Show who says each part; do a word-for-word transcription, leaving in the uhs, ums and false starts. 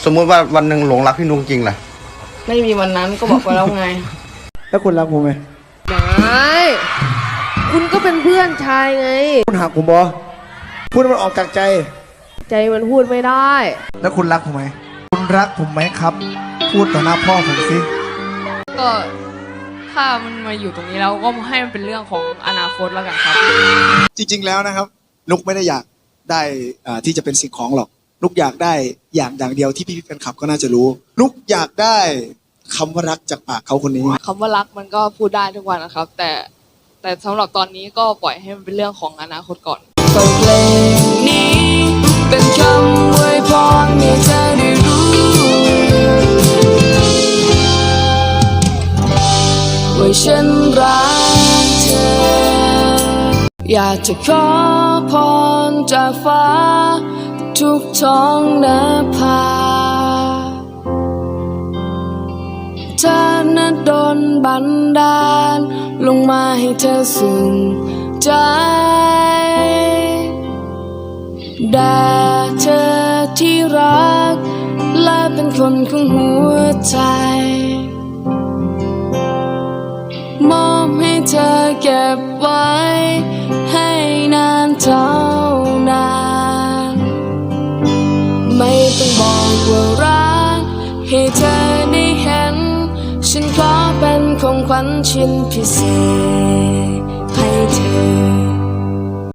Speaker 1: มมุติว่าวันหนึ่งหลงรักพี่นุ๊กจริงล่ะ
Speaker 2: ไม่มีวันนั้นก็บอกไปแล้วไง
Speaker 3: แล้วคุณรักผมไหม
Speaker 2: ไม่คุณก็เป็นเพื่อนชายไง
Speaker 3: คุณหักผมบอพูดมันออกจากใจ
Speaker 2: ใจมันพูดไม่ได้
Speaker 3: แล้วคุณรักผมไหมคุณรักผมไหมครับพูดต่อหน้าพ่อผมสิ
Speaker 4: ก็ถ้ามันมาอยู่ตรงนี้แล้วก็ให้มันเป็นเรื่องของอนาคตแล้วกันครับ
Speaker 5: จริงๆแล้วนะครับนุกไม่ได้อยากได้ที่จะเป็นสิ่งของหรอกนุกอยากได้อย่างอย่างเดียวที่พี่ๆแฟนคลับก็น่าจะรู้นุกอยากได้คำว่ารักจากปากเขาคนนี้
Speaker 4: คำว่ารักมันก็พูดได้ทุกวันนะครับแต่แต่สำหรับตอนนี้ก็ปล่อยให้มันเป็นเรื่องของอนาคตก่อนเพลงนี้เป็นคำอวยพรให้เธอได้รู้ว่าฉันรักเธออยากจะขอพรจากฟ้าทุกท้องนภาเธอนั้นโดนบันดาลลงมาให้เธอสุขใจด่าเธอที่รักและเป็นคนของหัวใจมอบให้เธอเก็บไว้ให้นานเท่านานไม่ต้องบอกว่ารักให้เธอได้เห็นฉันขอเป็นของขวัญชิ้นพิเศษให้เธอ